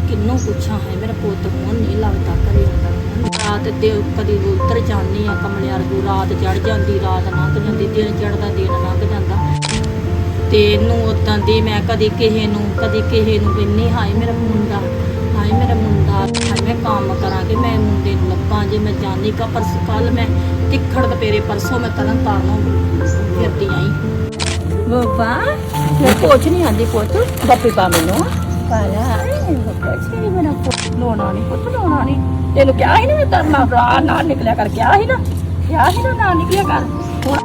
ਕਿੰਨੂੰ ਪੁੱਛਾਂ ਹੈ ਮੇਰਾ ਪੁੱਤ ਹੁਣ ਨਹੀਂ ਲੱਗਦਾ ਘਰੇ ਆਉਂਦਾ ਰਾਤ ਤੇ ਕਦੀ ਉੱਤਰ ਜਾਂਦੀ ਆ ਕਮਲੇ ਵਰਗੂ ਰਾਤ ਚੜ ਜਾਂਦੀ ਰਾਤ ਲੰਘ ਜਾਂਦੀ ਦਿਨ ਚੜਦਾ ਦਿਨ ਲੰਘ ਜਾਂਦਾ ਤੇ ਇਹਨੂੰ ਉਦਾਂ ਦੀ ਮੈਂ ਕਦੀ ਕਿਸੇ ਨੂੰ ਕਹਿੰਨੀ ਹਾਏ ਮੇਰਾ ਮੁੰਡਾ ਹਾਏ ਮੈਂ ਕੰਮ ਕਰਾਂਗੇ ਮੈਂ ਮੁੰਡੇ ਨੂੰ ਲੱਭਾਂ ਜੇ ਮੈਂ ਜਾਣੀ ਕਾ ਪਰਸ ਕੱਲ ਮੈਂ ਤਿੱਖੜ ਦਪੇਰੇ ਪਰਸੋਂ ਮੈਂ ਤਰਨ ਤਾਰਨੋਂ ਫਿਰਦੀ ਆਈ ਬਾਬਾ ਮੈਂ ਕੁਝ ਨਹੀਂ ਆਂਦੀ ਪੁੱਤ ਬੱਪੀ ਪਾ ਮੈਨੂੰ ਪਾਲਾ ਕੁਝ ਨਹੀਂ ਮੇਰਾ ਪੁੱਤ ਲੋਣਾ ਨਹੀਂ ਤੈਨੂੰ ਕਿਹਾ ਸੀ ਨਾ ਮੈਂ ਤਰਨਾ ਭਰਾ ਨਾ ਨਿਕਲਿਆ ਕਰ ਕਿਹਾ ਸੀ ਨਾ ਨਾ ਨਿਕਲਿਆ ਕਰ ਹੁਣ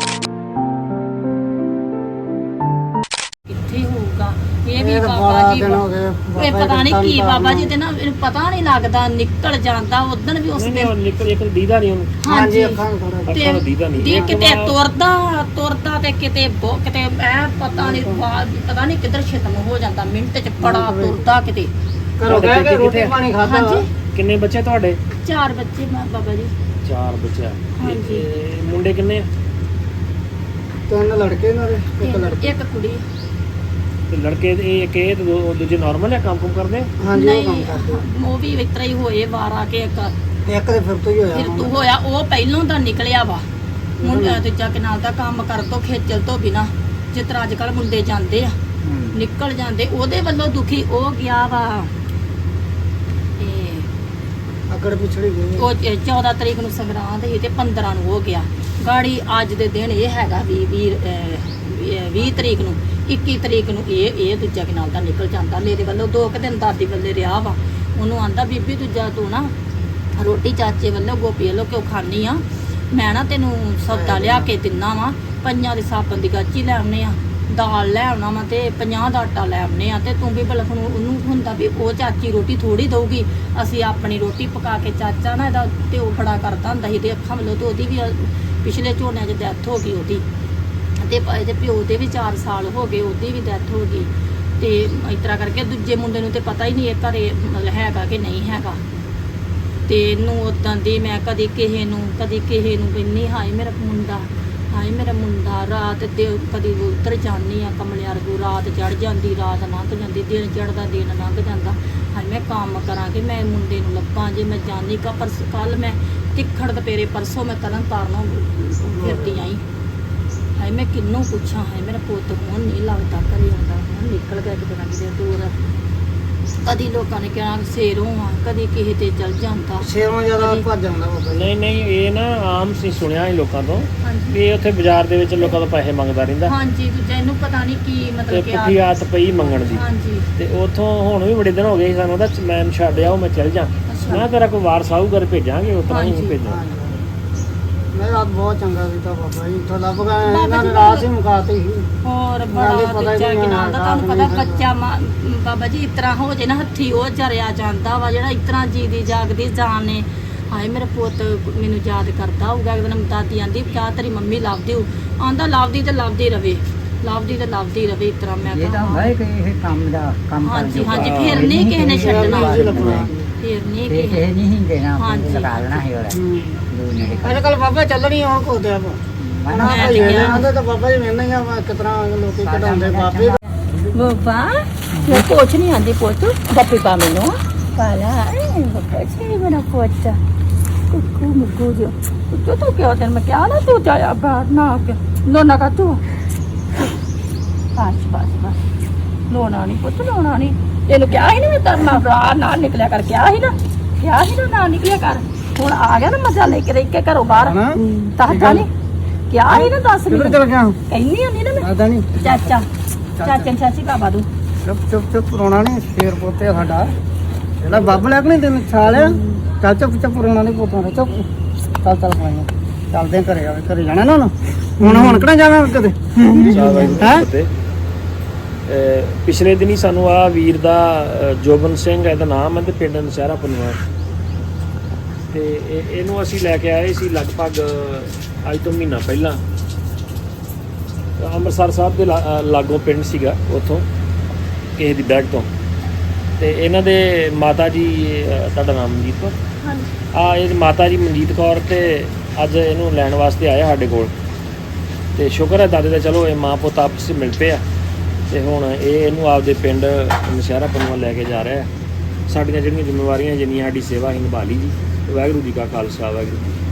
ਕਿੱਥੇ ਹੋਊਗਾ ਇਹ ਵੀ ਬਾਬਾ ਜੀ ਇਹ ਪਤਾ ਨਹੀਂ ਕੀ ਬਾਬਾ ਜੀ ਤੇ ਨਾ ਇਹਨੂੰ ਪਤਾ ਨਹੀਂ ਲੱਗਦਾ ਨਿਕਲ ਜਾਂਦਾ ਉਦੋਂ ਵੀ ਉਸ ਦਿਨ ਨਿਕਲ ਇੱਕ ਦੀਦਾ ਨਹੀਂ ਉਹਨੂੰ ਹਾਂਜੀ ਅੱਖਾਂ ਨੂੰ ਦੀਦਾ ਨਹੀਂ ਕਿਤੇ ਤੁਰਦਾ ਤੇ ਕਿਤੇ ਐ ਪਤਾ ਨਹੀਂ ਕਿੱਧਰ ਖਤਮ ਹੋ ਜਾਂਦਾ ਮਿੰਟ ਚ ਬੜਾ ਤੁਰਦਾ ਕਿਤੇ ਘਰੋਂ ਗਏ ਕਿ ਰੋਟੀ ਪਾਣੀ ਖਾਦਾ ਹਾਂਜੀ ਕਿੰਨੇ ਬੱਚੇ ਤੁਹਾਡੇ 4 ਬੱਚੇ ਬਾਬਾ ਜੀ 4 ਬੱਚੇ ਹਾਂਜੀ ਮੁੰਡੇ ਕਿੰਨੇ ਆ 3 ਲੜਕੇ ਨਾਲ ਇੱਕ ਲੜਕੀ ਇੱਕ ਕੁੜੀ ਤੇ ਲੜਕੇ ਇਹ ਤੇ ਦੂਜੇ ਨਾਰਮਲ ਹੈ ਕੰਮ ਕਰਦੇ ਹਾਂਜੀ ਉਹ ਕੰਮ ਕਰਦੇ ਉਹ ਵੀ ਇਸ ਤਰ੍ਹਾਂ ਹੀ ਹੋਏ ਵਾਰ ਆ ਕੇ ਇੱਕ ਦੇ ਫਿਰ ਤੋਂ ਹੀ ਫਿਰ ਤੂੰ ਹੋਇਆ ਉਹ ਪਹਿਲੋਂ ਦਾ ਨਿਕਲਿਆ ਵਾ ਮੁੰਡਾ ਦੂਜਾ ਕਿਨਾਲ ਦਾ ਕੰਮ ਕਰ ਤੋਂ ਖੇਚਲ ਤੋਂ ਬਿਨਾ ਜਿਸ ਤਰ੍ਹਾਂ ਅੱਜ ਕੱਲ ਮੁੰਡੇ ਜਾਂਦੇ ਆ ਨਿਕਲ ਜਾਂਦੇ ਉਹਦੇ ਵੱਲੋਂ ਦੁਖੀ ਉਹ ਗਿਆ ਵਾ ਅਗੜ ਪਿਛੜੀ ਗਈ ਉਹ 14 ਤਰੀਕ ਨੂੰ ਸੰਗਰਾਂਦ ਸੀ ਤੇ 15 ਨੂੰ ਹੋ ਗਿਆ ਗਾੜੀ ਅੱਜ ਦੇ ਦਿਨ ਇਹ ਹੈਗਾ 20 ਤਰੀਕ ਨੂੰ 21 ਤਰੀਕ ਨੂੰ ਇਹ ਦੂਜਾ ਕਿਨਾਲ ਦਾ ਨਿਕਲ ਜਾਂਦਾ ਮੇਰੇ ਵੱਲੋਂ 2 ਦਿਨ ਦਾਦੀ ਵੱਲੇ ਰਿਹਾ ਵਾ ਉਹਨੂੰ ਆਂਦਾ ਬੀਬੀ ਦੂਜਾ ਤੂੰ ਨਾ ਰੋਟੀ ਚਾਚੇ ਵੱਲੋਂ ਗੋਪੀ ਵੱਲੋਂ ਕਿਉਂ ਖਾਣੀ ਆ ਮੈਂ ਨਾ ਤੈਨੂੰ ਸੌਦਾ ਲਿਆ ਕੇ ਦਿੰਨਾ ਵਾ 5 ਦੇ ਸਾਬਣ ਦੀ ਗਾਚੀ ਲੈ ਆਉਨੇ ਆ ਦਾਲ ਲੈ ਆਉਣਾ ਵਾ ਤੇ 50 ਦਾ ਆਟਾ ਲੈ ਆਉਨੇ ਆ ਤੇ ਤੂੰ ਵੀ ਭਲਾ ਉਹਨੂੰ ਹੁੰਦਾ ਵੀ ਉਹ ਚਾਚੀ ਰੋਟੀ ਥੋੜੀ ਦਊਗੀ ਅਸੀਂ ਆਪਣੀ ਰੋਟੀ ਪਕਾ ਕੇ ਚਾਚਾ ਨਾ ਇਹਦਾ ਤੇ ਉਹ ਬੜਾ ਕਰਦਾ ਹੁੰਦਾ ਸੀ ਤੇ ਅੱਖਾਂ ਵੱਲੋਂ ਤੇ ਉਹਦੀ ਵੀ ਪਿਛਲੇ ਝੋਨਿਆਂ 'ਚ ਡੈਥ ਹੋ ਗਈ ਉਹਦੀ ਤੇ ਇਹਦੇ ਪਿਓ ਦੇ ਵੀ 4 ਸਾਲ ਹੋ ਗਏ ਉਹਦੀ ਵੀ ਡੈਥ ਹੋ ਗਈ ਤੇ ਇਸ ਤਰ੍ਹਾਂ ਕਰਕੇ ਦੂਜੇ ਮੁੰਡੇ ਨੂੰ ਤੇ ਪਤਾ ਹੀ ਨਹੀਂ ਇਹ ਘਰੇ ਮਤਲਬ ਹੈਗਾ ਕਿ ਨਹੀਂ ਹੈਗਾ ਤੇ ਇਹਨੂੰ ਉਦਾਂ ਦੀ ਮੈਂ ਕਦੀ ਕਿਸੇ ਨੂੰ ਕਹਿੰਨੀ ਹਾਏ ਮੇਰਾ ਮੁੰਡਾ ਰਾਤ ਤੇ ਕਦੀ ਉੱਤਰ ਜਾਂਦੀ ਆ ਕਮਲੇ ਵਰਗੂ ਰਾਤ ਚੜ ਜਾਂਦੀ ਰਾਤ ਲੰਘ ਜਾਂਦੀ ਦਿਨ ਚੜਦਾ ਦਿਨ ਲੰਘ ਜਾਂਦਾ ਹਾਏ ਮੈਂ ਕੰਮ ਕਰਾਂਗੇ ਮੈਂ ਮੁੰਡੇ ਨੂੰ ਲੱਭਾਂ ਜੇ ਮੈਂ ਜਾਣੀ ਕਾ ਪਰਸ ਕੱਲ ਮੈਂ ਤਿੱਖੜ ਦਪੇਰੇ ਪਰਸੋਂ ਮੈਂ ਤਰਨ ਤਾਰਨੋਂ ਫਿਰਦੀ ਆਈ ਹਾਏ ਮੈਂ ਕਿੰਨੂੰ ਪੁੱਛਾਂ ਹੈ ਮੇਰਾ ਪੁੱਤ ਹੁਣ ਨਹੀਂ ਲੱਗਦਾ ਘਰੇ ਆਉਂਦਾ ਹੁਣ ਨਿਕਲ ਗਿਆ ਕਿਤੇ ਨਾ ਕਿਤੇ ਦੂਰ ਕਦੀ ਲੋਕਾਂ ਨੇ ਕਿਹਾ ਸ਼ੇਰੋਂ ਆ ਕਦੀ ਕਿਸੇ ਤੇ ਚਲ ਜਾਂਦਾ ਸ਼ੇਰੋਂ ਜ਼ਿਆਦਾ ਭੱਜ ਜਾਂਦਾ ਬਾਬਾ ਜੀ ਨਹੀਂ ਇਹ ਨਾ ਆਮ ਸੀ ਸੁਣਿਆ ਸੀ ਲੋਕਾਂ ਤੋਂ ਹਾਂਜੀ ਵੀ ਉੱਥੇ ਬਾਜ਼ਾਰ ਦੇ ਵਿੱਚ ਲੋਕਾਂ ਤੋਂ ਪੈਸੇ ਮੰਗਦਾ ਰਹਿੰਦਾ ਹਾਂਜੀ ਦੂਜਾ ਇਹਨੂੰ ਪਤਾ ਨਹੀਂ ਕੀ ਤੇ ਮਤਲਬ ਕਿ ਪੁੱਠੀ ਆਦਤ ਪਈ ਮੰਗਣ ਦੀ ਹਾਂਜੀ ਤੇ ਉੱਥੋਂ ਹੁਣ ਵੀ ਬੜੇ ਦਿਨ ਹੋ ਗਏ ਸੀ ਸਾਨੂੰ ਉਹਦਾ ਮੈਂ ਛੱਡਿਆ ਉਹ ਮੈਂ ਚੱਲ ਜਾ ਮੈਂ ਤੇਰਾ ਕੋਈ ਵਾਰਸ ਆਊ ਘਰ ਭੇਜਾਂਗੇ ਉਸ ਤਰ੍ਹਾਂ ਹੀ ਹਾਂਜੀ। ਭੇਜਾਂਗੇ ਮੈਂ ਰਾਤ ਬਹੁਤ ਚੰਗਾ ਕੀਤਾ ਬਾਬਾ ਜੀ ਇੱਥੋਂ ਲੱਭ ਗਏ ਇਹਨਾਂ ਨੇ ਰਾਤ ਹੀ ਮੁਕਾਤੀ ਸੀ ਹੋਰ ਨਾਲੇ ਬੜਾ ਪਤਾ ਹੀ ਦੂਜਾ ਨਹੀਂ ਕਿਨਾਂ ਦਾ ਤੁਹਾਨੂੰ ਰਾਤ ਪਤਾ ਨੂੰ ਬੱਚਾ ਬਾਬਾ ਜੀ ਇਸ ਤਰ੍ਹਾਂ ਹੋ ਜੇ ਨਾ ਹੱਥੀ ਉਹ ਜਰਿਆ ਜਾਂਦਾ ਵਾ ਜਿਹੜਾ ਇਸ ਤਰ੍ਹਾਂ ਜੀਦੀ ਜਾਗਦੀ ਜਾਨ ਨੇ ਹਾਏ ਮੇਰਾ ਪੁੱਤ ਮੈਨੂੰ ਯਾਦ ਕਰਦਾ ਹੋਊਗਾ ਇੱਕ ਦਿਨ ਦਾਦੀ ਆਂਦੀ ਕਿਆ ਤੇਰੀ ਮੰਮੀ ਲੱਭਦੀ ਹੋ ਆਂਦਾ ਲੱਭਦੀ ਰਵੇ ਇਸ ਤਰ੍ਹਾਂ ਮੈਂ ਇਹ ਤਾਂ ਹੁੰਦਾ ਹੈ ਕਿ ਇਹ ਕੰਮ ਦਾ ਕੰਮ ਹਾਂਜੀ ਹਾਂਜੀ ਫਿਰ ਨਹੀਂ ਕਿਸੇ ਨੇ ਛੱਡਣਾ ਫਿਰ ਨਹੀਂ ਇਹ ਕਿਸੇ ਨਹੀਂ ਦੇਣਾ ਹਾਂਜੀ। ਲਗਾ ਲੈਣਾ ਹੈ ਉਹਦਾ ਅੱਜ ਕੱਲ ਬਾਬਾ ਚੱਲਣੀ ਹੁਣ ਕੋਦੇ ਆ ਮੈਂ ਤੇ ਕਿਹਾ ਆਂਦੇ ਤਾਂ ਬਾਬਾ ਜੀ ਮੈਨੂੰ ਹੀ ਆ ਕਿਸ ਤਰ੍ਹਾਂ ਲੋਕੀ ਕਢਾਉਂਦੇ ਬਾਬੇ ਬਾਬਾ ਮੈਂ ਕੁਝ ਨਹੀਂ ਆਂਦੀ ਪੁੱਤ ਬੱਪੀ ਪਾ ਮੈਨੂੰ ਪਾਲਾ ਕੁਝ ਨਹੀਂ ਮੇਰਾ ਪੁੱਤ ਕੁੱਕੂ ਮੁੱਕੂ ਜੋ ਤੂੰ ਕਿਉਂ ਤੈਨੂੰ ਮੈਂ ਕਿਹਾ ਨਾ ਤੂੰ ਜਾਇਆ ਬਾਹਰ ਨਾ ਕੇ ਲੋਨਾ ਕਾ ਤੂੰ ਬਸ ਲੋਨਾ ਨਹੀਂ ਪੁੱਤ ਲੋਨਾ ਨਹੀਂ ਤੈਨੂੰ ਕਿਹਾ ਸੀ ਨਾ ਮੈਂ ਤਰਨਾ ਭਰਾ ਨਾ ਨਿਕਲਿਆ ਕਰ ਕਿਹਾ ਸੀ ਨਾ ਨਿਕਲਿਆ ਕਰ ਹੁਣ ਆ ਗਿਆ ਨਾ ਮਜ਼ਾ ਲੈ ਕੇ ਰਹਿ ਕੇ ਘਰੋਂ ਬਾਹਰ ਤਾਂ ਨਹੀਂ ਕਿਹਾ ਸੀ ਨਾ ਦੱਸ ਕਿੱਧਰ ਚਲ ਗਿਆ ਕਹਿੰਦੀ ਹੁੰਦੀ ਨਾ ਮੈਂ ਆਦਾ ਨਹੀਂ ਚਾਚੀ ਬਾਬਾ ਤੂੰ ਚੁੱਪ ਰੋਣਾ ਨਹੀਂ ਸ਼ੇਰ ਪੋਤੇ ਆ ਸਾਡਾ ਜਿਹੜਾ ਬੱਬ ਲੈ ਕੇ ਨਹੀਂ ਤੈਨੂੰ ਛਾਲਿਆ ਚੱਲ ਚੁੱਪ ਰੋਣਾ ਨਹੀਂ ਪੋਤਾਂ ਦਾ ਚੁੱਪ ਚੱਲ ਪਾਈਆਂ ਚੱਲਦੇ ਆਂ ਘਰੇ ਜਾਣਾ ਨਾ ਹੁਣ ਕਿਹੜਾ ਜਾਣਾ ਕਦੇ ਹੈ ਪਿਛਲੇ ਦਿਨੀ ਸਾਨੂੰ ਆ ਵੀਰ ਦਾ ਜੋਬਨ ਸਿੰਘ ਇਹਦਾ ਨਾਮ ਹੈ ਤੇ ਪਿੰਡ ਨਸ਼ਹਿਰਾ ਪਨਵਾ ਤੇ ਇਹਨੂੰ ਅਸੀਂ ਲੈ ਕੇ ਆਏ ਸੀ ਲਗਭਗ ਅੱਜ ਤੋਂ ਮਹੀਨਾ ਪਹਿਲਾਂ ਅੰਮ੍ਰਿਤਸਰ ਸਾਹਿਬ ਦੇ ਲਾਗੋਂ ਪਿੰਡ ਸੀਗਾ ਉੱਥੋਂ ਕਿਸੇ ਦੀ ਬੈਗ ਤੋਂ ਤੇ ਇਹਨਾਂ ਦੇ ਮਾਤਾ ਜੀ ਤੁਹਾਡਾ ਨਾਮ ਮਨਜੀਤ ਕੌਰ ਹਾਂਜੀ ਇਹ ਮਾਤਾ ਜੀ ਮਨਜੀਤ ਕੌਰ ਤੇ ਅੱਜ ਇਹਨੂੰ ਲੈਣ ਵਾਸਤੇ ਆਇਆ ਸਾਡੇ ਕੋਲ ਤੇ ਸ਼ੁਕਰ ਹੈ ਦਾਦੇ ਦਾ ਚਲੋ ਇਹ ਮਾਂ ਪੁੱਤ ਆਪਸ ਵਿੱਚ ਮਿਲ ਪਏ ਆ ਤੇ ਹੁਣ ਇਹਨੂੰ ਆਪਦੇ ਪਿੰਡ ਨਸ਼ਹਿਰਾ ਪਨਵਾ ਲੈ ਕੇ ਜਾ ਰਿਹਾ ਸਾਡੀਆਂ ਜਿਹੜੀਆਂ ਜ਼ਿੰਮੇਵਾਰੀਆਂ ਜਿੰਨੀਆਂ ਸਾਡੀ ਸੇਵਾ ਅਸੀਂ ਨਿਭਾ ਲਈ ਜੀ। ਵਾਹਿਗੁਰੂ ਜੀ ਕਾ ਖਾਲਸਾ ਵਾਹਿਗੁਰੂ ਜੀ ਕੀ ਫਤਿਹ।